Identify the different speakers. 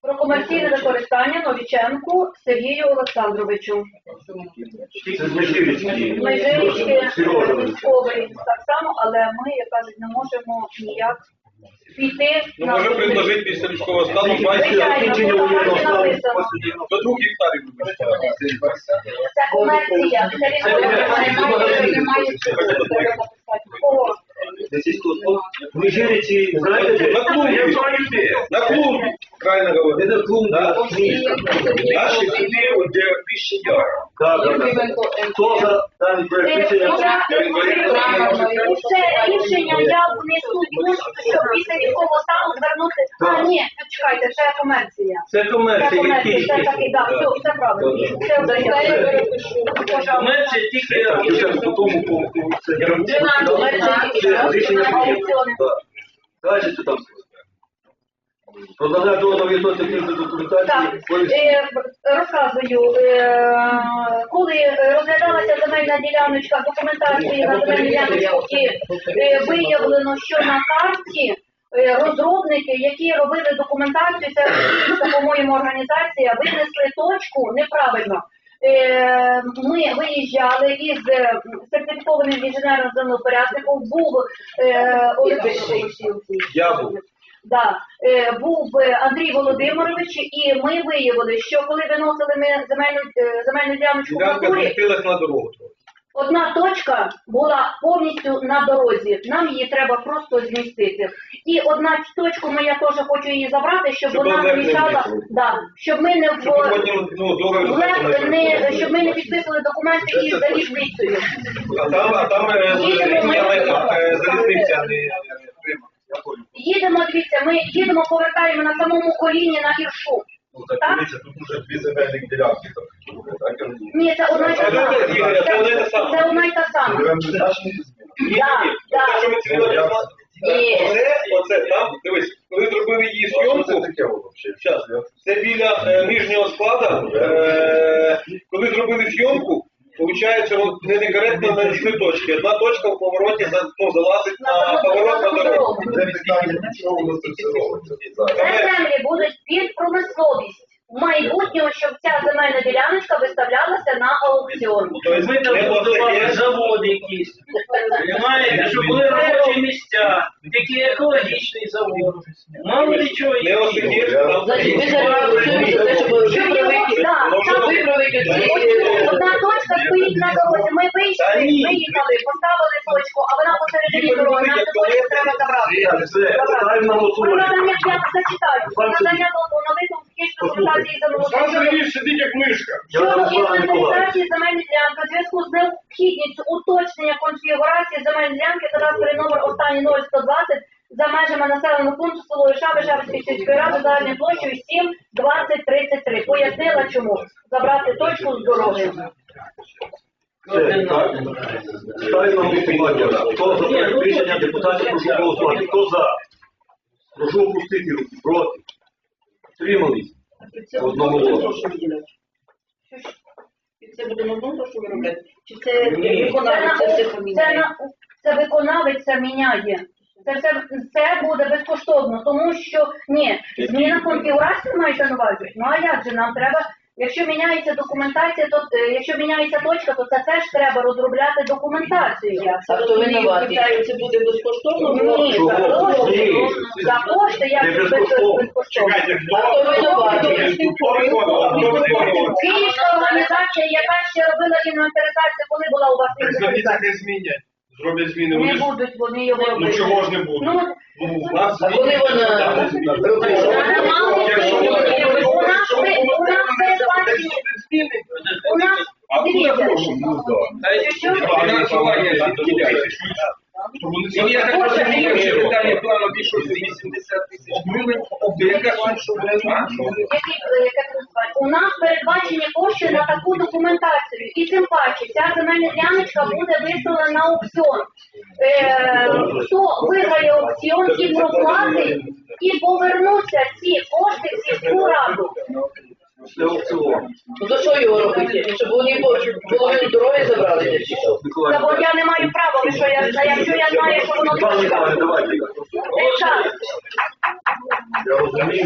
Speaker 1: Про комерційне використання Новіченку Сергію Олександровичу.
Speaker 2: Це з Межирічки.
Speaker 1: Межирічки військовий так само, але ми, як кажуть, не можемо ніяк піти
Speaker 3: Ну, може предложити після військового стану
Speaker 1: Звичайно, написано.
Speaker 3: до 2 гектарів.
Speaker 1: Це комерція.
Speaker 2: Межирічі, знаєте,
Speaker 3: На клумбі.
Speaker 2: я знаю де.
Speaker 3: На клумбі, правильно говорить.
Speaker 2: Це клумба.
Speaker 3: Наші сюди, де більше яр.
Speaker 2: Так. Хто за даний проект рішення?
Speaker 1: Це рішення я внесу пункт, щоб після військового стану звернути. А, ні, чекайте, це комерція.
Speaker 2: Це комерція, який?
Speaker 1: Це такий, так, все правильно. Це вже я перепишу.
Speaker 2: Комерція тільки по тому пункту. Це рішення далі що там? Продавати договір технічної документації.
Speaker 1: Розказую. Коли розглядалася земельна діляночка, документації на земельну діляночку, і виявлено, що на карті розробники, які робили документацію, це по-моєму організація, винесли точку неправильно. Ми виїжджали із сертифікованим інженером землепорядником, був Да, був Андрій Володимирович, і ми виявили, що коли виносили ми земельну діляночку в
Speaker 3: Ділянка
Speaker 1: натурі,
Speaker 3: змістилась на дорогу.
Speaker 1: одна точка була повністю на дорозі, нам її треба просто змістити. І одна точку я теж хочу її забрати, щоб вона не мішала, щоб ми не щоб ми не підписували документи із залізницею.
Speaker 3: А там залізниця, а не
Speaker 1: Їдемо, дивіться, ми їдемо, повертаємо на самому коліні на Іршу.
Speaker 4: Так, дивіться, тут вже 2 земельних ділянки.
Speaker 1: Ні, це одна й та сама. Це одна й та сама.
Speaker 3: Оце там, дивись, коли зробили її зйомку, це біля нижнього складу, коли зробили зйомку, виходить, не некоректно на дві точки. Одна точка в повороті залазить на поворот на дорогу.
Speaker 1: Це землі будуть під промисловість. В майбутньому, щоб ця земельна діляночка виставлялася на аукціон.
Speaker 2: Тобто ми там будували заводи якісь, щоб були робочі місця, такий екологічний завод. Мало нічого
Speaker 3: Не осидіш, там
Speaker 1: одна точка стоїть на дорозі. Ми виїхали, поставили точку, а вона посередині дороги. Нам цю точку треба забрати. Зачитаю. Надання дозволу на висновку технічної документації замовлення.
Speaker 3: сидить як мишка.
Speaker 1: Щодо інвентаризації земельної ділянки у зв'язку з необхідністю уточнення конфігурації земельної ділянки кадастровий номер останній 0120 за межами населеного пункту село Іша Вишевської сільської ради загальною площею 7 20 33. Пояснила чому. Забрати точку з дороги.
Speaker 2: Ставимо на голосування. Хто за проект рішення депутатів, прошу голосувати. Хто за? Прошу опустити руки. Проти. Тримались. Одного голосу.
Speaker 5: Це буде на одному прошу виробляти? Чи це виконавець, це все поміняє?
Speaker 1: Це виконавець це міняє. Це буде безкоштовно, тому що, зміна конфігурації мається на увазі. Ну а як же нам треба, якщо міняється документація, то, якщо міняється точка, то це теж треба розробляти документацію.
Speaker 5: А хто винуватий? Це буде безкоштовно?
Speaker 1: Ні, за кошти, як це безкоштовно.
Speaker 5: А хто винуватий?
Speaker 1: Київська організація, яка ще робила інвентаризацію, коли була у вас інвентаризація?
Speaker 3: Не змінять. Зроблять зміни.
Speaker 1: Не будуть вони його робити.
Speaker 3: Ну чого ж не будуть?
Speaker 5: А коли вона
Speaker 1: у нас дивіться.
Speaker 3: Я так розумію, що питання плану більше 80 тисяч гривень, яка сума
Speaker 1: У нас передбачені кошти на таку документацію. І тим паче, ця земельна діляночка буде виставлена на аукціон. Хто виграє аукціон і проплатить, і повернуться ці кошти в сільську раду.
Speaker 5: Ну за що його робити? Щоб вони половину дороги забрали?
Speaker 1: Та бо я не маю права, якщо я знаю, що воно точка.